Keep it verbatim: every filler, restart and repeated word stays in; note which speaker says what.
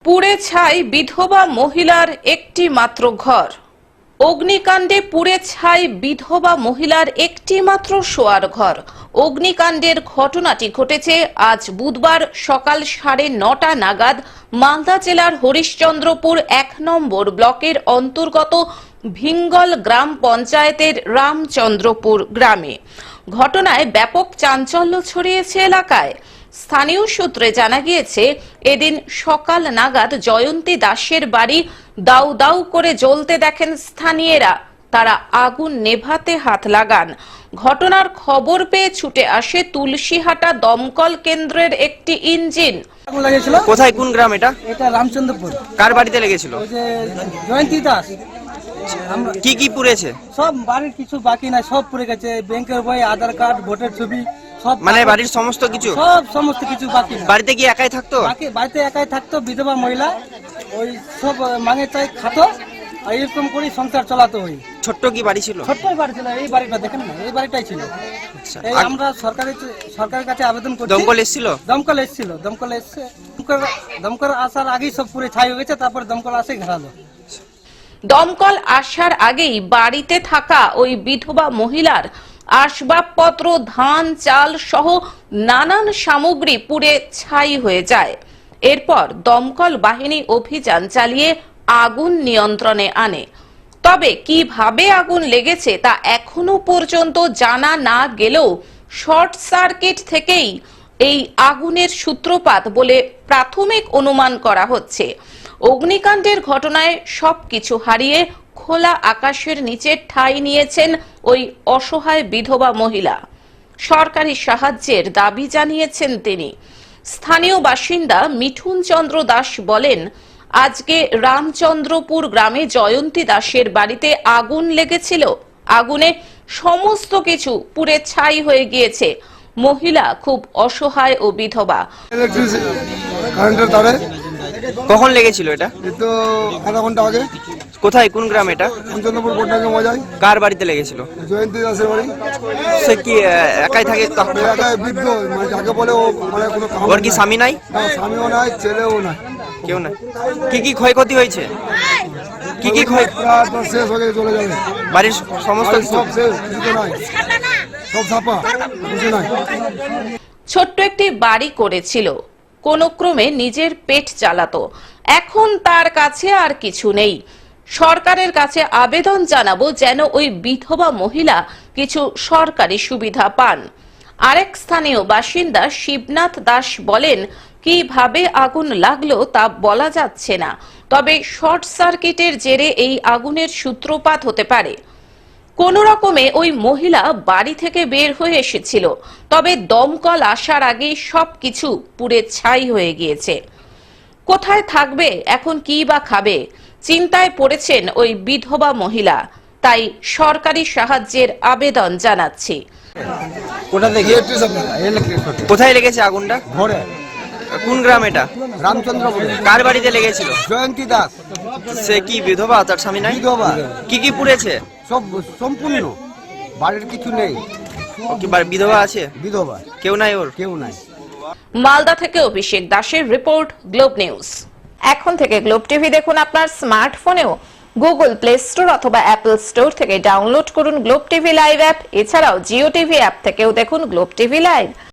Speaker 1: পুড়ে ছাই বিধবা মহিলার একটি মাত্র ঘর। অগ্নিকাণ্ডে পুড়ে ছাই বিধবা মহিলার একটি মাত্র শোয়ার ঘর। অগ্নিকাণ্ডের ঘটনাটি ঘটেছে আজ বুধবার সকাল সাড়ে নটা নাগাদ মালদা জেলার হরিশ্চন্দ্রপুর এক নম্বর ব্লকের অন্তর্গত ভিঙ্গল গ্রাম পঞ্চায়েতের রামচন্দ্রপুর গ্রামে। ঘটনায় ব্যাপক চাঞ্চল্য ছড়িয়েছে এলাকায়। স্থানীয় সূত্রে জানা গিয়েছে, এদিন সকাল নাগাদ জয়ন্তী দাসের বাড়ি দাউ দাউ করে জ্বলতে দেখেন স্থানীয়রা। তারা আগুন নেভাতে হাত লাগান। ঘটনার খবর পেয়ে ছুটে আসে তুলসীহাটা দমকল কেন্দ্রের একটি ইঞ্জিন।
Speaker 2: কোথায়, কোন গ্রাম এটা?
Speaker 3: এটা রামচন্দ্রপুর।
Speaker 2: কার বাড়িতে লেগেছিল?
Speaker 3: ওই যে জয়ন্তী দাস।
Speaker 2: কি কি পুড়েছে?
Speaker 3: সব বাড়ির কিছু বাকি নাই, সব পুড়ে গেছে। ব্যাংকের বই, আধার কার্ড, ভোটার ছবি, সব
Speaker 2: মানে বাড়ির সমস্ত কিছু?
Speaker 3: সব সমস্ত কিছু বাকি নাই।
Speaker 2: বাড়িতে কি একাই থাকতো?
Speaker 3: বাকি বাড়িতে একাই থাকতো, বিধবা মহিলা। ওই সব মাঙে চাই খাতো, আর এরকম করে সংসার চালাতো। ওই
Speaker 2: ছোট্ট কি বাড়ি ছিল?
Speaker 3: ছোট্টই বাড়ি ছিল। এই বাড়িটা দেখেন না, এই বাড়িটাই ছিল। এই আমরা সরকারের সরকারের কাছে আবেদন করছি।
Speaker 2: দমকল এসেছিল?
Speaker 3: দমকল এসেছিল, দমকল এসছে। দমকল আসার আগেই সব পুরে ছাই হয়ে গেছে, তারপরে দমকল আসে ঘেরালো।
Speaker 1: দমকল আসার আগেই বাড়িতে থাকা ওই বিধবা মহিলার আসবাবপত্র, ধান, চাল সহ নানান সামগ্রী পুড়ে ছাই হয়ে যায়। এরপর দমকল বাহিনী অভিযান চালিয়ে আগুন নিয়ন্ত্রণে আনে। তবে কিভাবে আগুন লেগেছে তা এখনো পর্যন্ত জানা না গেলেও শর্ট সার্কিট থেকেই এই আগুনের সূত্রপাত বলে প্রাথমিক অনুমান করা হচ্ছে। অগ্নিকাণ্ডের ঘটনায় সবকিছু হারিয়ে খোলা আকাশের নিচে ঠাঁই নিয়েছেন ওই অসহায় বিধবা মহিলা। সরকারি সাহায্যের দাবি জানিয়েছেন তিনি। স্থানীয় বাসিন্দা মিঠুন চন্দ্র দাস বলেন, আজকে রামচন্দ্রপুর গ্রামে জয়ন্তী দাসের বাড়িতে আগুন লেগেছিল। আগুনে সমস্ত কিছু পুড়ে ছাই হয়ে গিয়েছে। মহিলা খুব অসহায় ও বিধবা।
Speaker 2: কখন লেগেছিল এটা?
Speaker 4: তো আধা ঘন্টা আগে।
Speaker 2: কোথায়, কোন গ্রাম এটা?
Speaker 4: রামচন্দ্রপুর কোটনাকে মজায়।
Speaker 2: কার বাড়িতে লেগেছিল?
Speaker 4: জয়ন্তী দাসের বাড়ি।
Speaker 2: সে কি আহ, একাই থাকে?
Speaker 4: এলাকায় বৃদ্ধ, মানে যাকে বলে ও মানে কোনো কাম
Speaker 2: ওর কি স্বামী নাই?
Speaker 4: না, স্বামীও নাই, ছেলেও নাই,
Speaker 2: কেউ নাই। কি কি ক্ষয়ক্ষতি হয়েছে? কি কি ক্ষয়?
Speaker 4: রাত রাত শেষ হয়ে গেছে, চলে যাবে।
Speaker 2: বাড়ির সমস্ত
Speaker 4: বাড়ি
Speaker 2: কিছু
Speaker 4: সব শেষ, কিছু তো নাই, সব ছাপা, কিছু নাই।
Speaker 1: ছোট্ট একটি বাড়ি করেছিল, কোন ক্রমে নিজের পেট চালাতো। এখন তার কাছে আর কিছু নেই। সরকারের কাছে আবেদন জানাবো যেন ওই বিধবা মহিলা কিছু সরকারি সুবিধা পান। আরেক স্থানীয় বাসিন্দা শিবনাথ দাস বলেন, কিভাবে আগুন লাগলো তা বলা যাচ্ছে না, তবে শর্ট সার্কিটের জেরে এই আগুনের সূত্রপাত হতে পারে। কোন রকমে ওই মহিলা বাড়ি থেকে বের হয়ে এসেছিল, তবে দমকল আসার আগেই সবকিছু পুড়ে ছাই হয়ে গিয়েছে। কোথায় থাকবে এখন, কি বা খাবে, চিন্তায় পড়েছেন ওই বিধবা মহিলা। তাই সরকারি সাহায্যের আবেদন জানাচ্ছি।
Speaker 2: কোথা থেকে, কোথায় লেগেছে আগুনটা?
Speaker 4: ঘরে।
Speaker 2: কোন গ্রাম এটা?
Speaker 4: রামচন্দ্রপুর।
Speaker 2: কার বাড়িতে লেগেছিল?
Speaker 4: জয়ন্তী দাস।
Speaker 2: সে কি বিধবা? তার স্বামী নাই?
Speaker 4: বিধবা।
Speaker 2: কি কি পুড়েছে?
Speaker 4: সব সম্পূর্ণ, বাড়ির কিছু নেই।
Speaker 2: ও কি বাড়ি- বিধবা আছে?
Speaker 4: বিধবা,
Speaker 2: কেউ নাই ওর?
Speaker 4: কেউ নাই।
Speaker 1: মালদা থেকে অভিষেক দাসের রিপোর্ট, গ্লোব নিউজ। এখন থেকে গ্লোব টিভি দেখুন আপনার স্মার্টফোনেও। গুগল প্লে স্টোর অথবা অ্যাপল স্টোর থেকে ডাউনলোড করুন গ্লোব টিভি লাইভ অ্যাপ। এছাড়াও জিও টিভি অ্যাপ থেকেও দেখুন গ্লোব টিভি লাইভ।